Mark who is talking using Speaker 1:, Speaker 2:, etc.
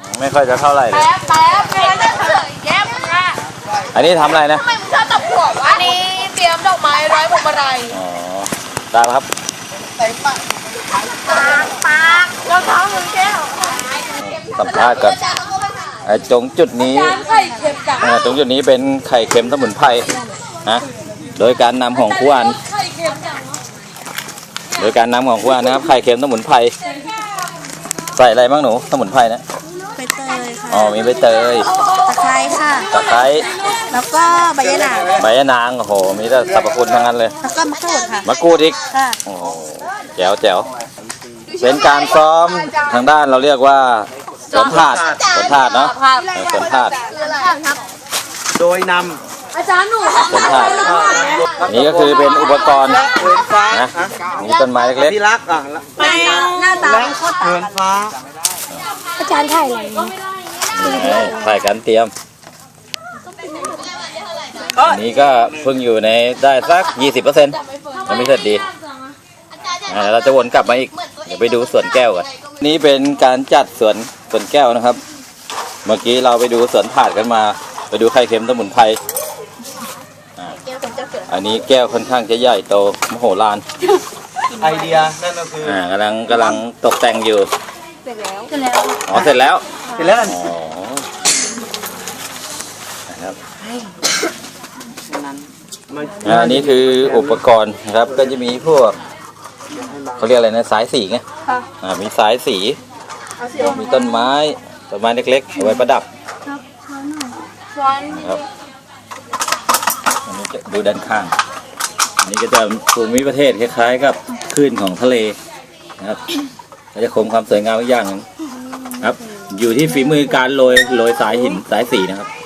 Speaker 1: ไม่ค่อยจะเท่าไหร่เลย
Speaker 2: แป๊บแป๊บแย้มนะ
Speaker 1: อันนี้ทำอะไรนะ
Speaker 2: ทำไมมึงชอบตบหัววะอันนี้เตรียมดอกไม้ร้อยพวงมาลัย
Speaker 1: อ๋อได้แล้วครับ
Speaker 2: ปากรองเท้าหนึ่งแก้ว
Speaker 1: สัมภาษณ์กับตรงจุดนี้
Speaker 2: จานไข่เค็มจัง
Speaker 1: ตรงจุดนี้เป็นไข่เค็มสมุนไพรนะโดยการนำของครูอัน
Speaker 2: ไข่เค็มจัง
Speaker 1: โดยการนำของครูอันนะครับไข่เค็มสมุนไพรใส่อะไรบ้างหนูสมุนไพรนะ
Speaker 3: ใบเตยค่ะ
Speaker 1: อ๋อมีใบเตย
Speaker 3: ตะไคร้ค่ะ
Speaker 1: ตะไคร้
Speaker 3: แล้วก็ใบยะนาง
Speaker 1: ใบยะนางโอ้โหมีแต่สรรพคุณทั้งนั้นเลย
Speaker 3: แล้วก็มะกรูดค่ะ
Speaker 1: มะกรูดอีก
Speaker 3: ค่ะ
Speaker 1: โอ้โหแจ๋วแจ๋วเป็นการซ้อมทางด้านเราเรียกว่าสวนถาดสวนถาดเนาะสวนถาด
Speaker 4: โดยน
Speaker 2: อาจารย์หนู
Speaker 1: สวนถาดนี่ก็คือเป็นอุปกรณ์
Speaker 4: ำเหินฟ้า
Speaker 1: นะมีต้นไม้เล็ก
Speaker 4: ที่รักอ่ะ
Speaker 3: หน้าตา
Speaker 4: และ
Speaker 3: เป็นโคตร
Speaker 4: เหินฟ้า
Speaker 3: อาจารย์ถ่ายอะไร
Speaker 1: ๆถ่ายกันเตรียมอันนี้ก็เพิ่งอยู่ในได้สัก 20%ยังไม่เสร็จดีเราจะวนกลับมาอีกเดี๋ยวไปดูสวนแก้วกันนี่เป็นการจัดสวนแก้วนะครับ เมื่อกี้เราไปดูสวนถาดกันมา ไปดูไข่เค็มสมุนไพรอันนี้แก้วค่อนข้างจะใหญ่โตมโหฬาร
Speaker 4: ไอเดียนั่นก็คือก
Speaker 1: ำลังตกแต่งอยู่
Speaker 3: เสร็จแล้ว
Speaker 1: อ๋อเสร็จแล้ว
Speaker 4: เสร็จแล้ว
Speaker 1: อ๋อนะครับ อันนี้คืออุปกรณ์นะครับก็จะมีพวกเขาเรียกอะไรนะสายสีไงมีสายสีมีต้นไม้เล็กๆเอาไว้ประดับครับอันนี้จะดูด้านข้างอันนี้ก็จะภูมิประเทศคล้ายๆกับคลื่นของทะเลนะครับก็จะคงความสวยงามอีกอย่างหนึงครับอยู่ที่ฝีมือการโรยสายหินสายสีนะครับ